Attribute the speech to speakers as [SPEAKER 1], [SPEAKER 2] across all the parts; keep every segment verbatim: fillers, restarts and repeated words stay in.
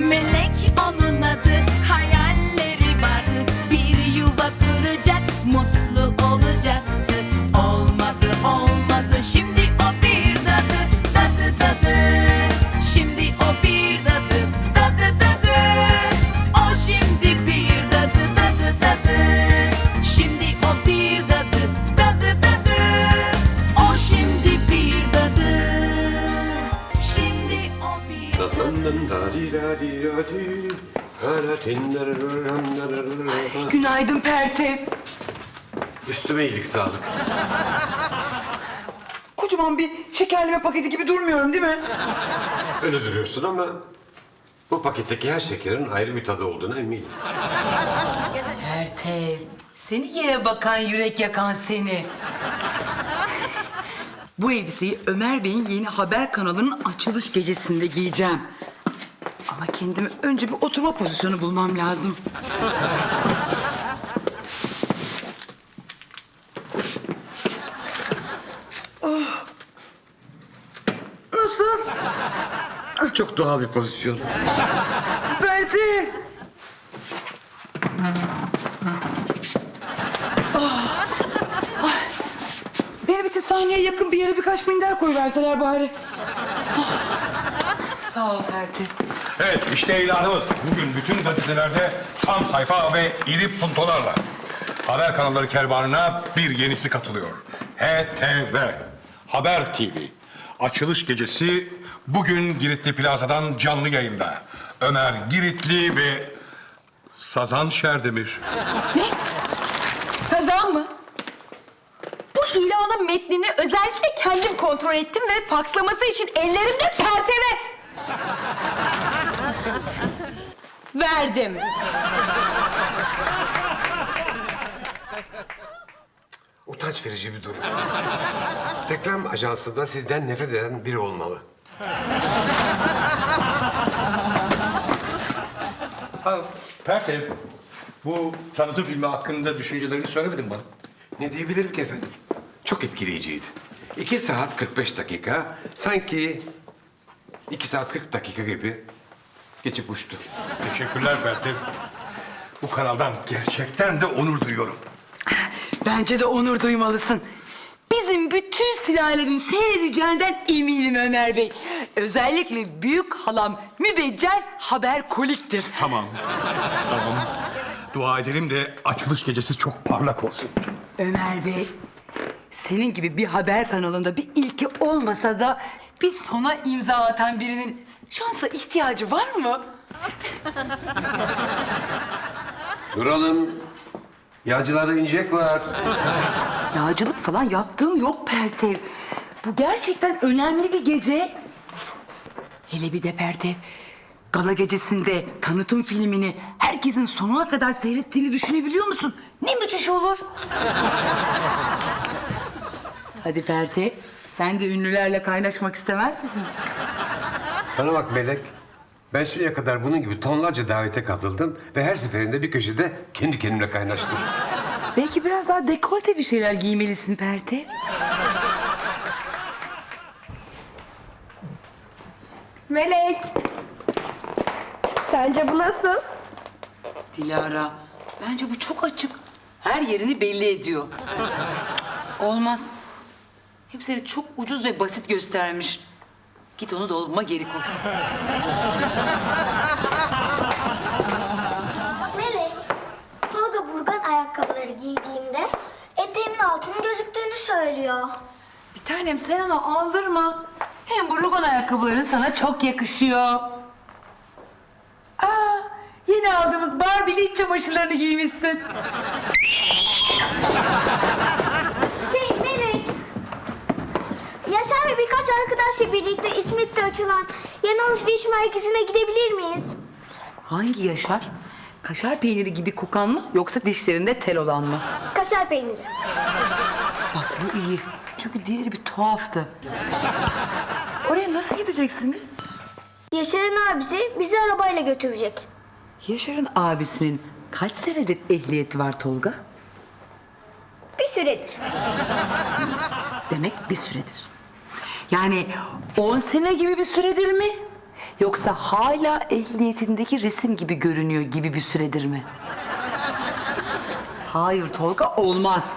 [SPEAKER 1] Melek onun adı, hayalleri vardı. Bir yuva kuracak, mutlu olacaktı. Olmadı olmadı, şimdi o bir dadı. Dadı dadı, şimdi o bir dadı. Dadı dadı, o şimdi bir dadı. Dadı dadı, şimdi o bir dadı. Dadı dadı, o şimdi bir dadı. Şimdi o bir
[SPEAKER 2] Günaydın Pertev.
[SPEAKER 3] Üstüme iyilik sağlık.
[SPEAKER 2] Kocaman bir şekerleme paketi gibi durmuyorum değil mi?
[SPEAKER 3] Öyle duruyorsun ama bu paketteki her şekerin ayrı bir tadı olduğuna eminim.
[SPEAKER 2] Pertev, seni yere bakan yürek yakan seni. Bu elbiseyi Ömer Bey'in yeni haber kanalının açılış gecesinde giyeceğim. Ama kendime önce bir oturma pozisyonu bulmam lazım. Oh. Nasıl?
[SPEAKER 3] Çok doğal bir pozisyon.
[SPEAKER 2] Pertev! Benim için sahneye yakın bir yere birkaç minder koyuverseler bari. Oh. Sağ ol Pertev.
[SPEAKER 4] Evet, işte ilanımız. Bugün bütün gazetelerde tam sayfa ve iri puntolarla. Haber kanalları kervanına bir yenisi katılıyor. H T V, Haber T V. Açılış gecesi bugün Giritli Plaza'dan canlı yayında. Ömer Giritli ve Sazan Şerdemir.
[SPEAKER 5] Sazan mı? Bu ilanın metnini özellikle kendim kontrol ettim ve fakslaması için ellerimle perteve verdim.
[SPEAKER 3] Utanç verici bir durum. Reklam ajansında sizden nefret eden biri olmalı.
[SPEAKER 4] Ha, Pertev, bu tanıtım filmi hakkında düşüncelerini söylemedin bana.
[SPEAKER 3] Ne diyebilirim ki efendim? Çok etkileyiciydi. İki saat kırk beş dakika, sanki iki saat kırk dakika gibi geçip uçtu.
[SPEAKER 4] Teşekkürler Pertev. Bu kanaldan gerçekten de onur duyuyorum.
[SPEAKER 2] Bence de onur duymalısın. Bizim bütün sülalenin seyredeceğinden eminim Ömer Bey. Özellikle büyük halam mübeccel haber koliktir.
[SPEAKER 4] Tamam. Tamam. Dua edelim de açılış gecesi çok parlak olsun.
[SPEAKER 2] Ömer Bey, senin gibi bir haber kanalında bir ilki olmasa da bir sona imza atan birinin şansa ihtiyacı var mı?
[SPEAKER 3] Duralım. Yağcılarda incek var.
[SPEAKER 2] Yağcılık falan yaptığım yok Pertev. Bu gerçekten önemli bir gece. Hele bir de Pertev, gala gecesinde tanıtım filmini herkesin sonuna kadar seyrettiğini düşünebiliyor musun? Ne müthiş olur. Hadi Pertev, sen de ünlülerle kaynaşmak istemez misin?
[SPEAKER 3] Bana bak Melek. Ben şimdiye kadar bunun gibi tonlarca davete katıldım ve her seferinde bir köşede kendi kendimle kaynaştım.
[SPEAKER 2] Belki biraz daha dekolte bir şeyler giymelisin Pertev.
[SPEAKER 5] Melek. Sence bu nasıl?
[SPEAKER 2] Dilara, bence bu çok açık. Her yerini belli ediyor. Olmaz. Hep seni çok ucuz ve basit göstermiş. Git onu dolabıma geri koy.
[SPEAKER 6] Melek, Tolga Burgan ayakkabıları giydiğimde eteğimin altının gözüktüğünü söylüyor.
[SPEAKER 2] Bir tanem sen onu aldırma. Hem bu rugan ayakkabıların sana çok yakışıyor. Aa, yeni aldığımız Barbie'li iç çamaşırlarını giymişsin.
[SPEAKER 6] Şey Melek, Yaşar ve birkaç arkadaşla birlikte İsmet'te açılan yeni alışveriş merkezine gidebilir miyiz?
[SPEAKER 2] Hangi Yaşar? Kaşar peyniri gibi kokan mı yoksa dişlerinde tel olan mı?
[SPEAKER 6] Kaşar peyniri.
[SPEAKER 2] Bak bu iyi. Çünkü diğeri bir tuhaftı. Oraya nasıl gideceksiniz?
[SPEAKER 6] Yaşar'ın abisi bizi arabayla götürecek.
[SPEAKER 2] Yaşar'ın abisinin kaç senedir ehliyeti var Tolga?
[SPEAKER 6] Bir süredir.
[SPEAKER 2] Demek bir süredir. Yani on sene gibi bir süredir mi? Yoksa hala ehliyetindeki resim gibi görünüyor gibi bir süredir mi? Hayır Tolga, olmaz.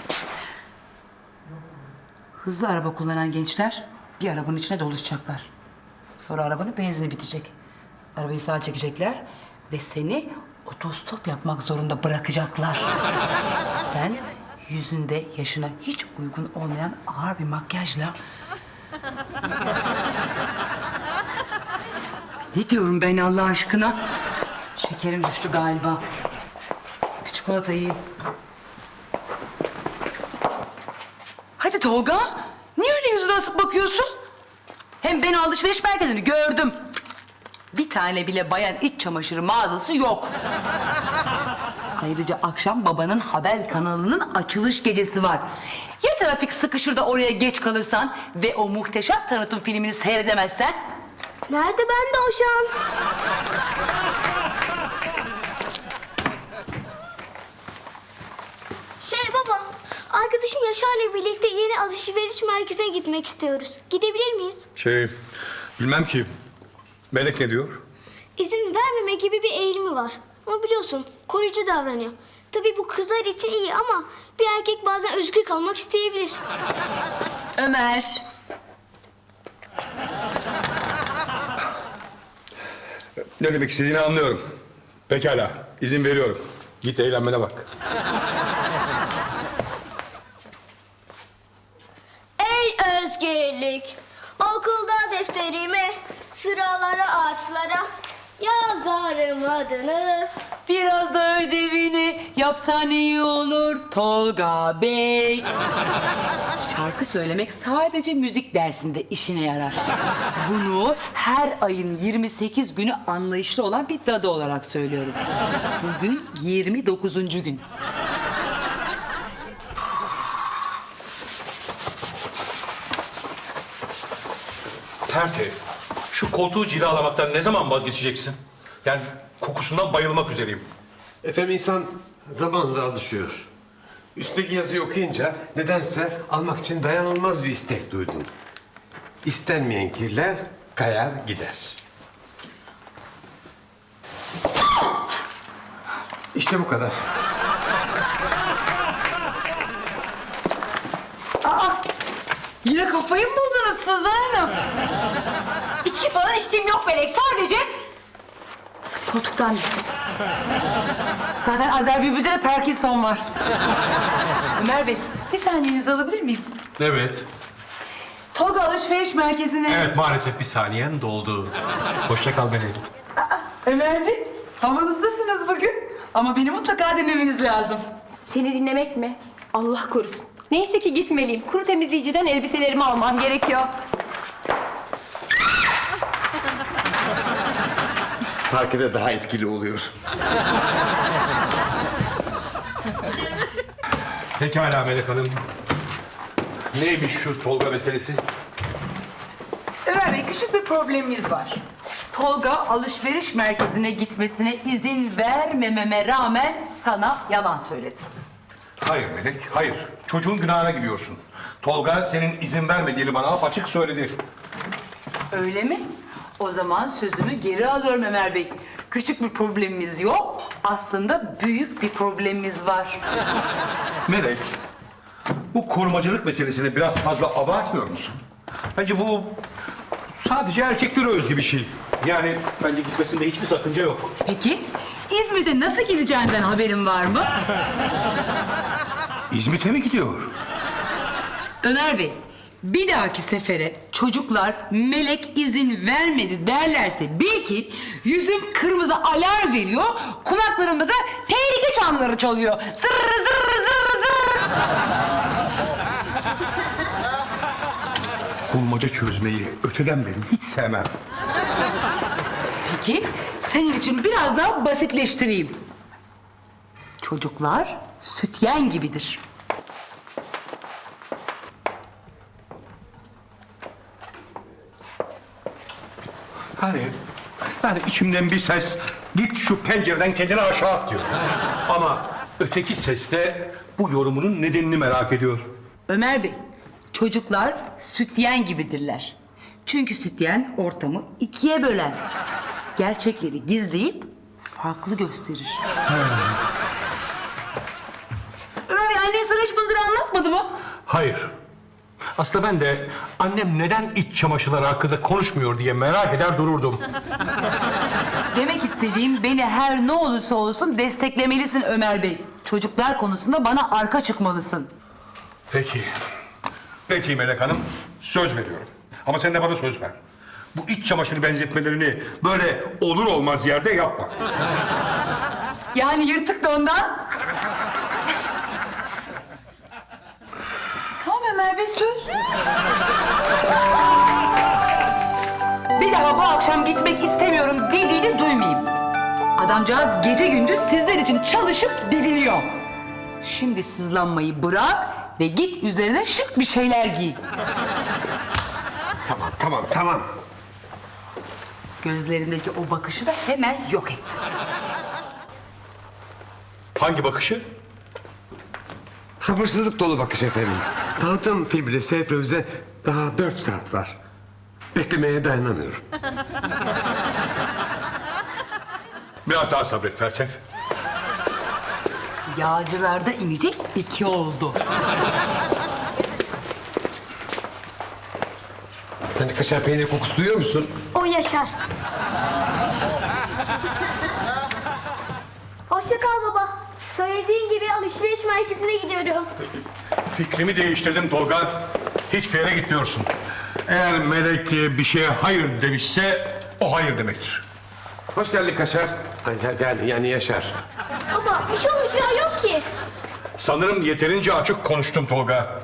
[SPEAKER 2] Hızlı araba kullanan gençler bir arabanın içine doluşacaklar. Sonra arabanın benzini bitecek. Arabayı sağa çekecekler ve seni otostop yapmak zorunda bırakacaklar. Sen yüzünde yaşına hiç uygun olmayan ağır bir makyajla... Ne diyorum ben Allah aşkına? Şekerim düştü galiba. Bir çikolata yiyeyim. Hadi Tolga. Niye öyle yüzüne asıp bakıyorsun? Hem ben alışveriş merkezini gördüm. Bir tane bile bayan iç çamaşırı mağazası yok. Ayrıca akşam babanın haber kanalının açılış gecesi var. Ya trafik sıkışır da oraya geç kalırsan ve o muhteşem tanıtım filmini seyredemezsen?
[SPEAKER 6] Nerede bende o şans? Şey baba, arkadaşım Yaşar'la birlikte yeni alışveriş merkezine gitmek istiyoruz. Gidebilir miyiz?
[SPEAKER 4] Şey, bilmem ki. Melek ne diyor?
[SPEAKER 6] İzin vermeme gibi bir eğilimi var. Ama biliyorsun, koruyucu davranıyor. Tabii bu kızlar için iyi ama bir erkek bazen özgür kalmak isteyebilir.
[SPEAKER 5] Ömer.
[SPEAKER 4] Ne demek istediğini anlıyorum. Pekala, izin veriyorum. Git eğlenmene bak.
[SPEAKER 6] Ey özgürlük, okulda defterime, sıralara ağaçlara yazarım adını.
[SPEAKER 2] Biraz da ödevini yapsan iyi olur Tolga Bey. Şarkı söylemek sadece müzik dersinde işine yarar. Bunu her ayın yirmi sekiz günü anlayışlı olan bir dadı olarak söylüyorum. Bugün yirmi dokuzuncu gün.
[SPEAKER 4] Pertev, şu koltuğu cilalamaktan ne zaman vazgeçeceksin? Yani kokusundan bayılmak üzereyim.
[SPEAKER 3] Efendim insan zamanla alışıyor. Üstteki yazıyı okuyunca nedense almak için dayanılmaz bir istek duydum. İstenmeyen kirler kayar gider. İşte bu kadar.
[SPEAKER 2] Yine kafayı mı buldunuz Suzan Hanım?
[SPEAKER 5] İçki falan içtiğim yok Melek. Sadece koltuktan düştüm.
[SPEAKER 2] Zaten Azer Bülbül'de de Parkinson var. Ömer Bey, bir saniyenizi alabilir miyim?
[SPEAKER 4] Evet.
[SPEAKER 2] Tolga alışveriş merkezine...
[SPEAKER 4] Evet, maalesef bir saniyen doldu. Hoşça kal Melek.
[SPEAKER 2] Ömer Bey, havanızdasınız bugün. Ama beni mutlaka dinlemeniz lazım.
[SPEAKER 5] Seni dinlemek mi? Allah korusun. Neyse ki gitmeliyim. Kuru temizleyiciden elbiselerimi almam gerekiyor.
[SPEAKER 3] Parkede daha etkili oluyor.
[SPEAKER 4] Pekala Melek Hanım. Neymiş şu Tolga meselesi?
[SPEAKER 2] Ömer Bey, küçük bir problemimiz var. Tolga alışveriş merkezine gitmesine izin vermememe rağmen sana yalan söyledi.
[SPEAKER 4] Hayır Melek, hayır. Çocuğun günahına giriyorsun. Tolga senin izin vermediğini bana apaçık söyledi.
[SPEAKER 2] Öyle mi? O zaman sözümü geri alıyorum Ömer Bey. Küçük bir problemimiz yok. Aslında büyük bir problemimiz var.
[SPEAKER 4] Melek, bu korumacılık meselesini biraz fazla abartmıyor musun? Bence bu sadece erkeklere özgü bir şey. Yani bence gitmesinde hiçbir sakınca yok.
[SPEAKER 2] Peki, İzmir'de nasıl gideceğinden haberin var mı?
[SPEAKER 4] İzmit'e mi gidiyor?
[SPEAKER 2] Ömer Bey, bir dahaki sefere çocuklar Melek izin vermedi derlerse bil ki yüzüm kırmızı alarm veriyor, kulaklarımda da tehlike çanları çalıyor. Zırr zırr zırr zırr.
[SPEAKER 4] Bulmaca çözmeyi öteden beri hiç sevmem.
[SPEAKER 2] Peki, senin için biraz daha basitleştireyim. Çocuklar sütyen gibidir.
[SPEAKER 4] Hani, yani içimden bir ses git şu pencereden kendini aşağı at diyor. Ama öteki ses de bu yorumunun nedenini merak ediyor.
[SPEAKER 2] Ömer Bey, çocuklar sütyen gibidirler. Çünkü sütyen ortamı ikiye böler. Gerçekleri gizleyip farklı gösterir. Ömer Bey, annen sana hiç bunları anlatmadı mı?
[SPEAKER 4] Hayır. Aslında ben de annem neden iç çamaşırları hakkında konuşmuyor diye merak eder dururdum.
[SPEAKER 2] Demek istediğim, beni her ne olursa olsun desteklemelisin Ömer Bey. Çocuklar konusunda bana arka çıkmalısın.
[SPEAKER 4] Peki. Peki Melek Hanım, söz veriyorum. Ama sen de bana söz ver. Bu iç çamaşırı benzetmelerini böyle olur olmaz yerde yapma.
[SPEAKER 2] Yani yırtık da ondan. Tamam Ömer Bey, söz. Bir daha bu akşam gitmek istemiyorum dediğini duymayayım. Adamcağız gece gündüz sizler için çalışıp didiniyor. Şimdi sızlanmayı bırak ve git üzerine şık bir şeyler giy.
[SPEAKER 3] Tamam, tamam, tamam.
[SPEAKER 2] Gözlerindeki o bakışı da hemen yok et.
[SPEAKER 4] Hangi bakışı?
[SPEAKER 3] Sabırsızlık dolu bakış efendim. Tanıtım filmini seyretmemize daha dört saat var. Beklemeye dayanamıyorum.
[SPEAKER 4] Biraz daha sabret Pertev.
[SPEAKER 2] Yağcılarda inecek iki oldu.
[SPEAKER 3] Sen de kaşar peynir kokusu duyuyor musun?
[SPEAKER 6] O Yaşar. Hoşça kal baba. Söylediğin gibi alışveriş merkezine gidiyorum.
[SPEAKER 4] Fikrimi değiştirdim Tolga. Hiçbir yere gitmiyorsun. Eğer Melek bir şeye hayır demişse o hayır demektir.
[SPEAKER 3] Hoş geldin kaşar. Ay, Yani, yani Yaşar.
[SPEAKER 6] Baba bir şey olacağı yok ki.
[SPEAKER 4] Sanırım yeterince açık konuştum Tolga.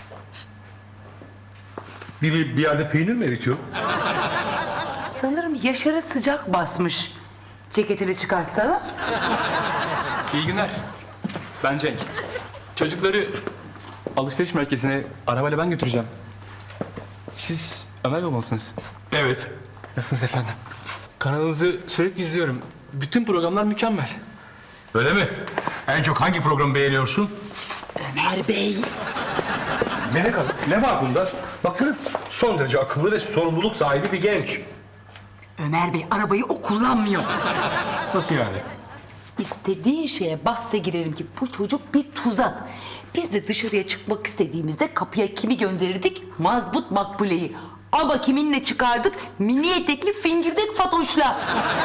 [SPEAKER 4] Biri bir yerde peynir mi eritiyor?
[SPEAKER 2] Sanırım Yaşar'a sıcak basmış. Ceketini çıkarsana.
[SPEAKER 7] İyi günler. Ben Cenk. Çocukları alışveriş merkezine arabayla ben götüreceğim. Siz Ömer olmalısınız.
[SPEAKER 4] Evet.
[SPEAKER 7] Nasılsınız efendim? Kanalınızı sürekli izliyorum. Bütün programlar mükemmel.
[SPEAKER 4] Öyle mi? En çok hangi programı beğeniyorsun?
[SPEAKER 2] Ömer Bey.
[SPEAKER 4] Melek Hanım, ne var bunda? Baksana, son derece akıllı ve sorumluluk sahibi bir genç.
[SPEAKER 2] Ömer Bey, arabayı o kullanmıyor.
[SPEAKER 4] Nasıl yani?
[SPEAKER 2] İstediğin şeye bahse girerim ki bu çocuk bir tuzak. Biz de dışarıya çıkmak istediğimizde kapıya kimi gönderirdik? Mazbut Makbule'yi. Ama kiminle çıkardık? Mini etekli fingirdek Fatoş'la.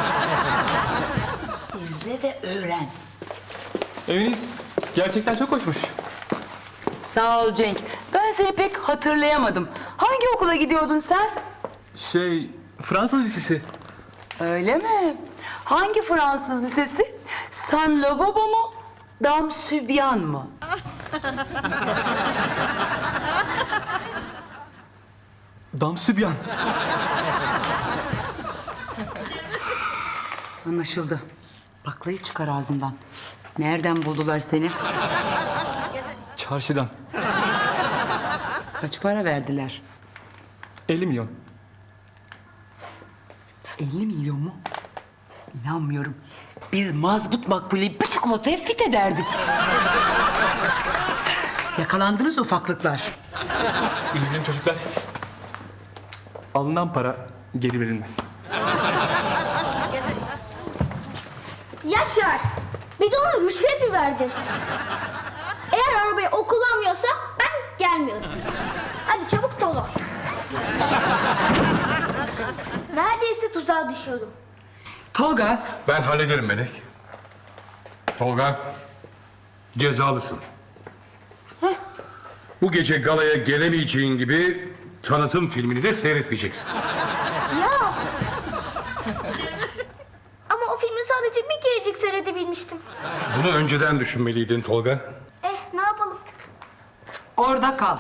[SPEAKER 2] İzle ve öğren.
[SPEAKER 7] Eviniz gerçekten çok hoşmuş.
[SPEAKER 2] Sağ ol Cenk. Ben seni pek hatırlayamadım. Hangi okula gidiyordun sen?
[SPEAKER 7] Şey, Fransız lisesi.
[SPEAKER 2] Öyle mi? Hangi Fransız lisesi? Saint Lavabo mu? Dam Sübyan mı?
[SPEAKER 7] Damsübyan.
[SPEAKER 2] Anlaşıldı. Baklayı çıkar ağzından. Nereden buldular seni?
[SPEAKER 7] Çarşıdan.
[SPEAKER 2] Kaç para verdiler?
[SPEAKER 7] elli milyon.
[SPEAKER 2] elli milyon mu? İnanmıyorum. Biz mazbut makbuleyi bir çikolataya fit ederdik. Yakalandınız ufaklıklar.
[SPEAKER 7] İyi günler çocuklar. Alınan para geri verilmez.
[SPEAKER 6] Yaşar. Bir de ona rüşvet mi verdin? Eğer arabayı o kullanmıyorsa ben gelmiyorum. Hadi çabuk toz ol. Neredeyse tuzağa düşüyorum.
[SPEAKER 2] Tolga,
[SPEAKER 4] Ben hallederim Melek. Tolga, cezalısın. Bu gece galaya gelemeyeceğin gibi tanıtım filmini de seyretmeyeceksin.
[SPEAKER 6] Ya. Ama o filmi sadece bir kerecik seyredebilmiştim.
[SPEAKER 4] Bunu önceden düşünmeliydin Tolga.
[SPEAKER 6] Eh ne yapalım?
[SPEAKER 2] orada kal.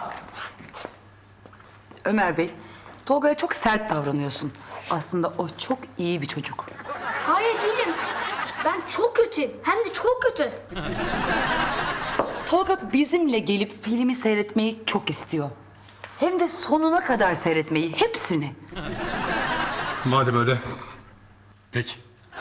[SPEAKER 2] Ömer Bey, Tolga'ya çok sert davranıyorsun. Aslında o çok iyi bir çocuk.
[SPEAKER 6] Hayır değilim. Ben çok kötüyüm. Hem de çok kötü.
[SPEAKER 2] Tolga bizimle gelip filmi seyretmeyi çok istiyor. Hem de sonuna kadar seyretmeyi, hepsini.
[SPEAKER 4] Madem öyle. Peki.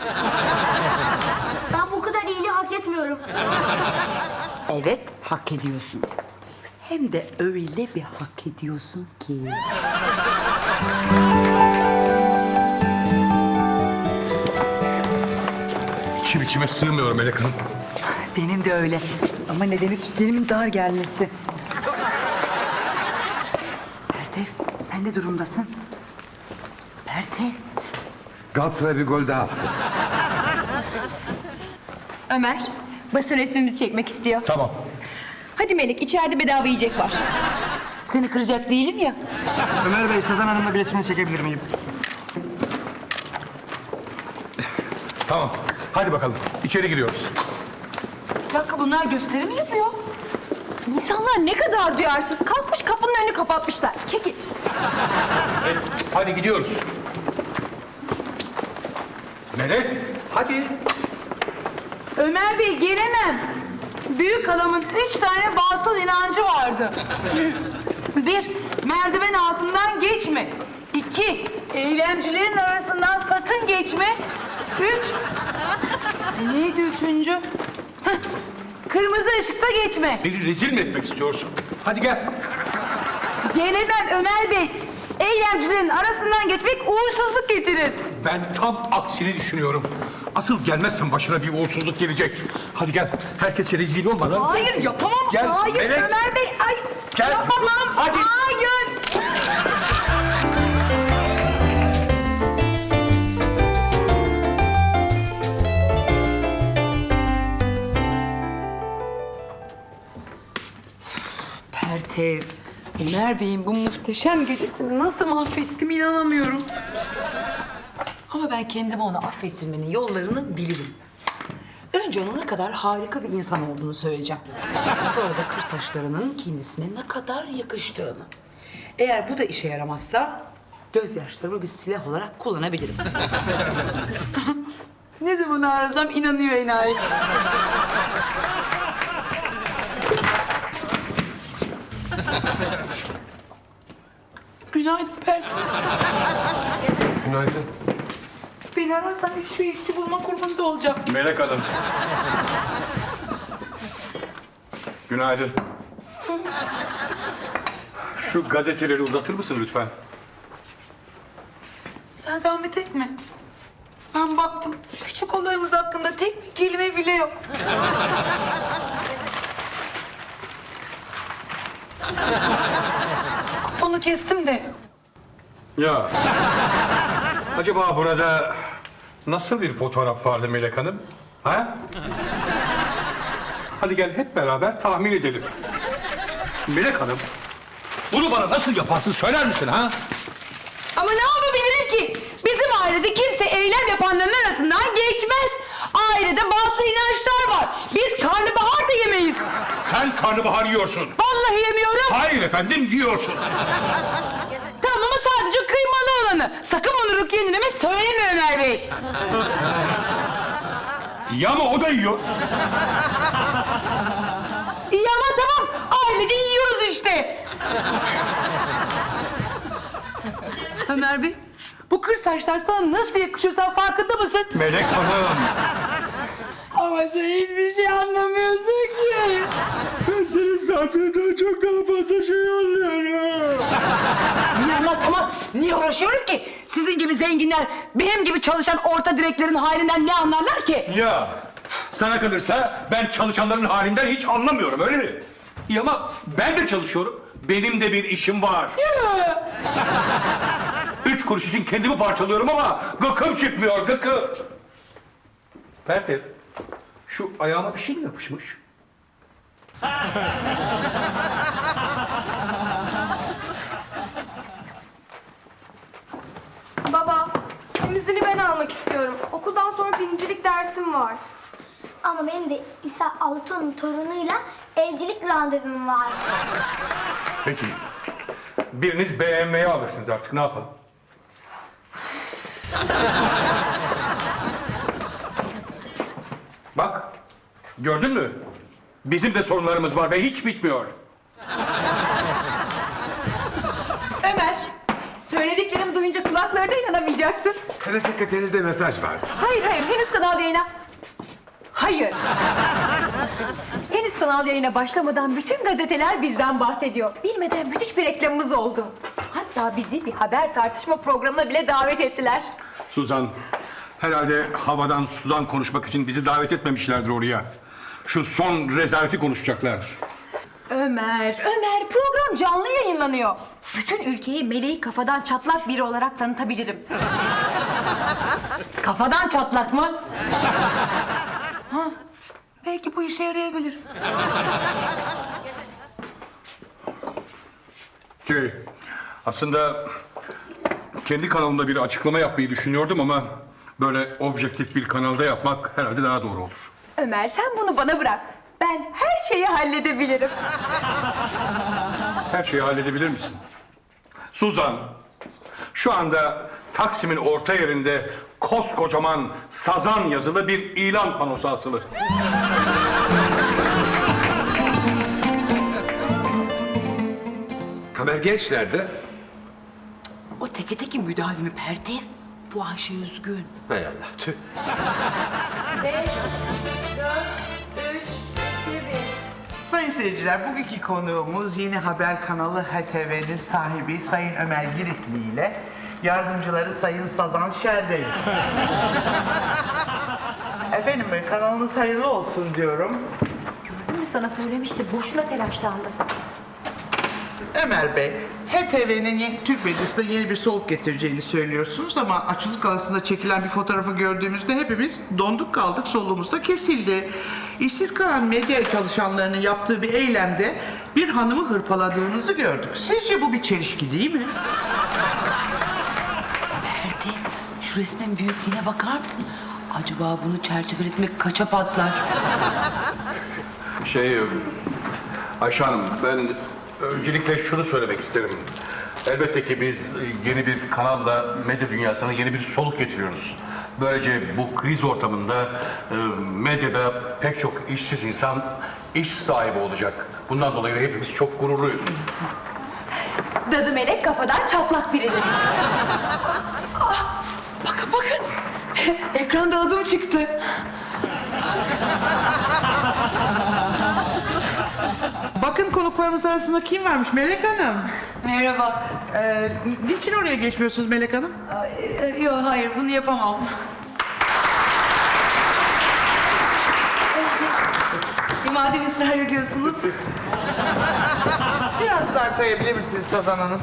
[SPEAKER 6] Ben bu kadar iyiliği hak etmiyorum.
[SPEAKER 2] Evet, hak ediyorsun. Hem de öyle bir hak ediyorsun ki.
[SPEAKER 4] İçim içime sığmıyor Melek Hanım.
[SPEAKER 2] Benim de öyle. Ama nedeni sütlerimin dar gelmesi. Pertev, sen ne durumdasın? Pertev.
[SPEAKER 3] Galatasaray bir gol daha attı.
[SPEAKER 5] Ömer, basın resmimizi çekmek istiyor.
[SPEAKER 4] Tamam.
[SPEAKER 5] Hadi Melek, içeride bedava yiyecek var.
[SPEAKER 2] Seni kıracak değilim ya.
[SPEAKER 8] Ömer Bey, Sezen Hanım'la bir resmini çekebilir miyim?
[SPEAKER 4] Tamam. Hadi bakalım. İçeri giriyoruz.
[SPEAKER 2] Bir dakika, bunlar gösteri mi yapıyor?
[SPEAKER 5] İnsanlar ne kadar duyarsız. Kalkmış kapının önünü kapatmışlar. Çekil.
[SPEAKER 4] Hadi gidiyoruz. Melek, hadi.
[SPEAKER 2] Ömer Bey, gelemem. Büyük halamın üç tane batıl inancı vardı. Bir, merdiven altından geçme. İki, eylemcilerin arasından sakın geçme. Üç, e, neydi üçüncü? Heh, kırmızı ışıkta geçme.
[SPEAKER 4] Beni rezil mi etmek istiyorsun? Hadi gel.
[SPEAKER 2] Gelemem Ömer Bey. Eylemcilerin arasından geçmek uğursuzluk getirir.
[SPEAKER 4] Ben tam aksini düşünüyorum. Asıl gelmezsen başına bir uğursuzluk gelecek. Hadi gel. Herkese rezil olmadan.
[SPEAKER 2] Hayır, yapamam.
[SPEAKER 4] Gel,
[SPEAKER 2] Hayır
[SPEAKER 4] Melek.
[SPEAKER 2] Ömer Bey. Ay,
[SPEAKER 4] Gel.
[SPEAKER 2] yapamam.
[SPEAKER 4] Hadi.
[SPEAKER 2] Hayır. Pertev, Ömer Bey'in bu muhteşem gecesini nasıl mahvettim inanamıyorum. Ama ben kendime onu affettirmenin yollarını bilirim. Önce ona ne kadar harika bir insan olduğunu söyleyeceğim. Sonra da kır saçlarının kendisine ne kadar yakıştığını. Eğer bu da işe yaramazsa gözyaşlarımı bir silah olarak kullanabilirim. Ne zaman arasam inanıyor enayi. Günaydın Pertev.
[SPEAKER 3] Günaydın.
[SPEAKER 2] Beni ararsan iş ve işçi bulma kurumunda olacağım.
[SPEAKER 4] Melek Hanım. Günaydın. Şu gazeteleri uzatır mısın lütfen?
[SPEAKER 2] Sen zahmet etme. Ben baktım. Küçük olayımız hakkında tek bir kelime bile yok. Kuponu kestim de.
[SPEAKER 4] Ya. Acaba burada nasıl bir fotoğraf vardı Melek Hanım? Ha? Hadi gel hep beraber tahmin edelim. Melek Hanım, bunu bana nasıl yaparsın söyler misin ha?
[SPEAKER 2] Ama ne yapabilirim ki? Bizim ailede kimse eylem yapanların arasından geçmez. Ailede batıl inançlar var. Biz karnabahar da yemeyiz.
[SPEAKER 4] Sen karnabahar yiyorsun.
[SPEAKER 2] Vallahi yemiyorum.
[SPEAKER 4] Hayır efendim yiyorsun.
[SPEAKER 2] Tamam ama sadece kıymalı olanı. Sakın bunu Rukiye nineme söyleme Ömer Bey.
[SPEAKER 4] Ya ama o da yiyor.
[SPEAKER 2] İyi ama tamam. Ailece yiyoruz işte. Ömer Bey, bu kır saçlar sana nasıl yakışıyor sen farkında mısın?
[SPEAKER 4] Melek Hanım.
[SPEAKER 2] Ama sen hiçbir şey anlamıyorsun ki.
[SPEAKER 4] Ben senin sandığından çok daha fazla şey anlıyorum.
[SPEAKER 2] Niye anlatamam? Niye uğraşıyorum ki? Sizin gibi zenginler benim gibi çalışan orta direklerin halinden ne anlarlar ki?
[SPEAKER 4] Ya sana kalırsa ben çalışanların halinden hiç anlamıyorum öyle mi? İyi ama ben de çalışıyorum. Benim de bir işim var. Üç kuruş için kendimi parçalıyorum ama gıkım çıkmıyor gıkım. Pertev, şu ayağıma bir şey mi yapışmış?
[SPEAKER 6] Baba, temizliğini ben almak istiyorum. Okuldan sonra birincilik dersim var. Ama benim de İsa Altun'un torunuyla evcilik randevum var.
[SPEAKER 4] Peki, biriniz B M W'yi alırsınız artık ne yapalım? Bak, gördün mü? Bizim de sorunlarımız var ve hiç bitmiyor.
[SPEAKER 5] Ömer, söylediklerimi duyunca kulaklarına inanamayacaksın.
[SPEAKER 3] Hele sekreterinizde mesaj vardı.
[SPEAKER 5] Hayır, hayır. Henüz kanal yayına... Hayır. Henüz kanal yayına başlamadan bütün gazeteler bizden bahsediyor. Bilmeden müthiş bir reklamımız oldu. Hatta Hatta bizi bir haber tartışma programına bile davet ettiler.
[SPEAKER 4] Suzan, herhalde havadan sudan konuşmak için bizi davet etmemişlerdir oraya. Şu son rezaleti konuşacaklar.
[SPEAKER 5] Ömer, Ömer program canlı yayınlanıyor. Bütün ülkeyi meleği kafadan çatlak biri olarak tanıtabilirim.
[SPEAKER 2] Kafadan çatlak mı? Ha, belki bu işe yarayabilir.
[SPEAKER 4] Şey, aslında kendi kanalımda bir açıklama yapmayı düşünüyordum ama böyle objektif bir kanalda yapmak herhalde daha doğru olur.
[SPEAKER 5] Ömer sen bunu bana bırak. Ben her şeyi halledebilirim.
[SPEAKER 4] Her şeyi halledebilir misin? Suzan, şu anda Taksim'in orta yerinde koskocaman sazan yazılı bir ilan panosu asılı.
[SPEAKER 3] Kamer Genç nerede?
[SPEAKER 2] O teke teki müdavimi Pertev. Bu Ayşe üzgün.
[SPEAKER 3] Hay Allah, tüh.
[SPEAKER 6] Beş, dört, üç, iki, bir.
[SPEAKER 9] Sayın seyirciler, bugünkü konuğumuz yeni haber kanalı H T V'nin sahibi Sayın Ömer Giritli ile yardımcıları Sayın Sazan Şerdevil. Efendim, kanalınız hayırlı olsun diyorum.
[SPEAKER 5] Gördün mü sana söylemiştim. Boşuna telaşlandım.
[SPEAKER 9] Ömer Bey, H T V'nin yeni- Türk medyasında yeni bir soluk getireceğini söylüyorsunuz ama açılık galasında çekilen bir fotoğrafı gördüğümüzde hepimiz donduk kaldık, soluğumuz da kesildi. İşsiz kalan medya çalışanlarının yaptığı bir eylemde bir hanımı hırpaladığınızı gördük. Sizce bu bir çelişki değil mi?
[SPEAKER 2] Pertev, şu resmin büyüklüğüne bakar mısın? Acaba bunu çerçeveletmek kaça patlar?
[SPEAKER 4] Şey, Ayşe Hanım, ben öncelikle şunu söylemek isterim. Elbette ki biz yeni bir kanalla medya dünyasına yeni bir soluk getiriyoruz. Böylece bu kriz ortamında e, medyada pek çok işsiz insan iş sahibi olacak. Bundan dolayı da hepimiz çok gururluyuz.
[SPEAKER 5] Dadı melek kafadan çatlak biridir.
[SPEAKER 2] Bakın bakın. Ekranda adım çıktı.
[SPEAKER 9] Bakın konuklarımız arasında kim varmış? Melek Hanım.
[SPEAKER 10] Merhaba.
[SPEAKER 9] Ee, niçin oraya geçmiyorsunuz Melek Hanım?
[SPEAKER 10] Yok hayır bunu yapamam. E, madem ısrar ediyorsunuz.
[SPEAKER 9] Biraz daha kayabilir misiniz Sazan Hanım?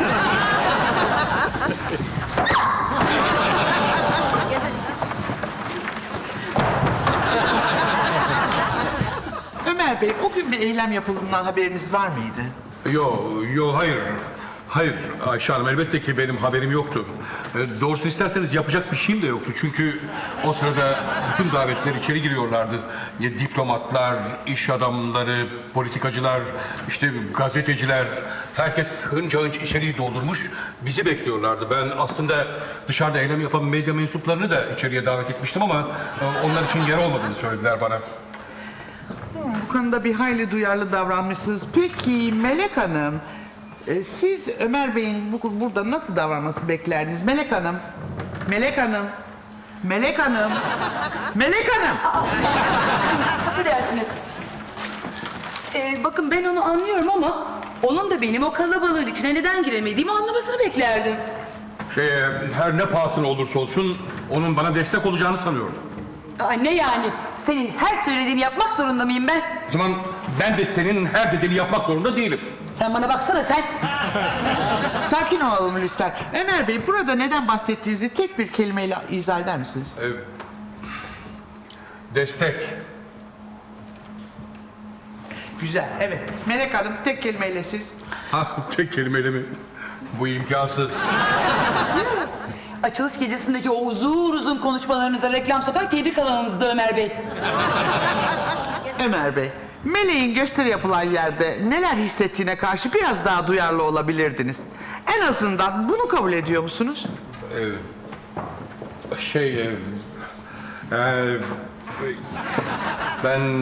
[SPEAKER 9] Ömer Bey, o gün bir eylem yapıldığından haberiniz var mıydı?
[SPEAKER 4] Yo, yo hayır. Hayır Ayşe Hanım, elbette ki benim haberim yoktu. E, doğrusu isterseniz yapacak bir şeyim de yoktu. Çünkü o sırada bütün davetler içeri giriyorlardı. Ya, diplomatlar, iş adamları, politikacılar, işte gazeteciler. Herkes hınca hınç içeriği doldurmuş. Bizi bekliyorlardı. Ben aslında dışarıda eylem yapan medya mensuplarını da içeriye davet etmiştim ama e, onlar için yer olmadığını söylediler bana.
[SPEAKER 9] Bu konuda bir hayli duyarlı davranmışsınız. Peki Melek Hanım, e, siz Ömer Bey'in bu, burada nasıl davranması beklerdiniz? Melek Hanım, Melek Hanım, Melek Hanım, Melek Hanım.
[SPEAKER 2] Affedersiniz. Ee, bakın ben onu anlıyorum ama onun da benim o kalabalığın içine neden giremediğimi anlamasını beklerdim.
[SPEAKER 4] Şey, her ne pahasına olursa olsun onun bana destek olacağını sanıyordum.
[SPEAKER 2] Aa, ne yani? Senin her söylediğini yapmak zorunda mıyım ben?
[SPEAKER 4] O zaman ben de senin her dediğini yapmak zorunda değilim.
[SPEAKER 2] Sen bana baksana sen.
[SPEAKER 9] Sakin olalım lütfen. Ömer Bey, burada neden bahsettiğinizi tek bir kelimeyle izah eder misiniz?
[SPEAKER 4] Destek.
[SPEAKER 9] Güzel, evet. Melek Hanım, tek kelimeyle siz.
[SPEAKER 4] Ha, tek kelimeyle mi? Bu imkansız.
[SPEAKER 2] Açılış gecesindeki o uzun uzun konuşmalarınıza reklam sokar tebrik alanınızda Ömer Bey.
[SPEAKER 9] Ömer Bey, Meleğin gösteri yapılan yerde neler hissettiğine karşı biraz daha duyarlı olabilirdiniz. En azından bunu kabul ediyor musunuz?
[SPEAKER 4] Şey, e, e, ben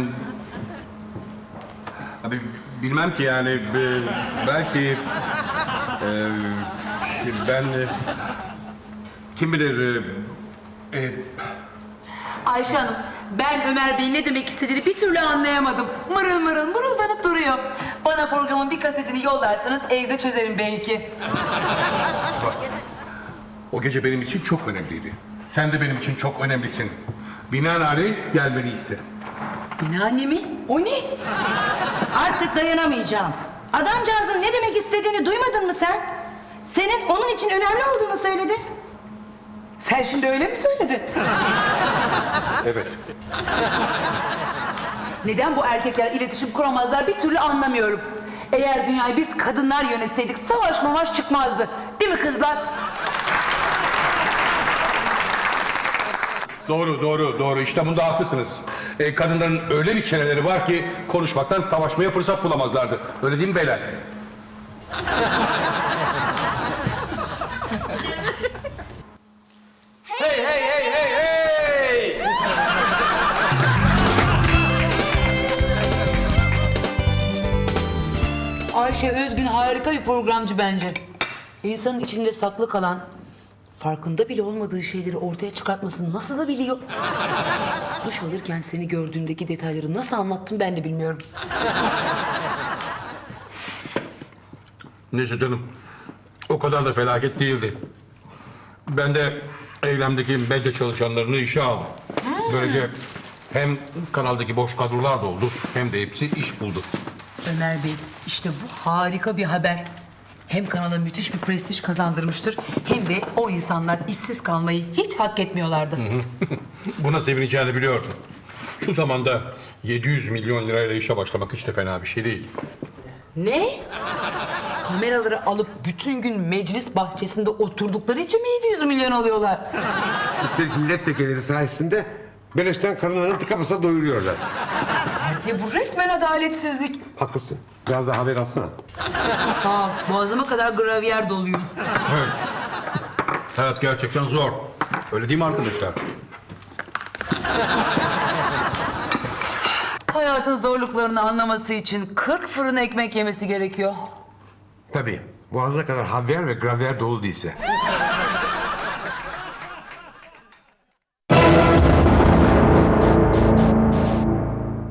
[SPEAKER 4] abi bilmem ki yani e, belki e, ben e, kim bilir e, e,
[SPEAKER 2] Ayşe Hanım, ben Ömer Bey'in ne demek istediğini bir türlü anlayamadım. Mırıl mırıl mırıldanıp duruyor. Bana Bana programın bir kasetini yollarsanız evde çözerim belki.
[SPEAKER 4] O gece benim için çok önemliydi. Sen de benim için çok önemlisin. Binaenaleyh gelmeni isterim.
[SPEAKER 2] Binaanne mi? O ne?
[SPEAKER 11] Artık dayanamayacağım. Adamcağızın ne demek istediğini duymadın mı sen? Senin onun için önemli olduğunu söyledi.
[SPEAKER 2] Sen şimdi öyle mi söyledin?
[SPEAKER 4] Evet.
[SPEAKER 2] Neden bu erkekler iletişim kuramazlar bir türlü anlamıyorum. Eğer dünyayı biz kadınlar yönetseydik savaş mavaş çıkmazdı. Değil mi kızlar?
[SPEAKER 4] Doğru, doğru, doğru. İşte bunda haklısınız. Ee, kadınların öyle bir çeneleri var ki konuşmaktan savaşmaya fırsat bulamazlardı. Öyle değil mi beyler?
[SPEAKER 3] Hey hey hey hey hey!
[SPEAKER 2] Ayşe Özgün harika bir programcı bence. İnsanın içinde saklı kalan, farkında bile olmadığı şeyleri ortaya çıkartmasını nasıl da biliyor. Duş alırken seni gördüğümdeki detayları nasıl anlattım ben de bilmiyorum.
[SPEAKER 4] Neyse canım. O kadar da felaket değildi. Ben de eylemdeki medya çalışanlarını işe aldım. Böylece hem kanaldaki boş kadrolar doldu hem de hepsi iş buldu.
[SPEAKER 2] Ömer Bey, işte bu harika bir haber. Hem kanala müthiş bir prestij kazandırmıştır, hem de o insanlar işsiz kalmayı hiç hak etmiyorlardı.
[SPEAKER 4] Buna sevineceğini biliyordum. Şu zamanda yedi yüz milyon lirayla işe başlamak hiç de fena bir şey değil.
[SPEAKER 2] Ne? Kameraları alıp bütün gün meclis bahçesinde oturdukları için mi yedi yüz milyon alıyorlar?
[SPEAKER 3] Üstelik milletvekilleri sayesinde beleşten karılarını tıka basa doyuruyorlar.
[SPEAKER 2] Ertuğ, bu resmen adaletsizlik.
[SPEAKER 3] Haklısın. Biraz daha haber alsana.
[SPEAKER 2] Sağ ol, boğazıma kadar gravyer doluyum.
[SPEAKER 4] Evet. Hayat gerçekten zor. Öyle değil mi arkadaşlar?
[SPEAKER 2] Hayatın zorluklarını anlaması için kırk fırın ekmek yemesi gerekiyor.
[SPEAKER 3] Tabii. Boğazına kadar havyar ve gravyer dolu değilse.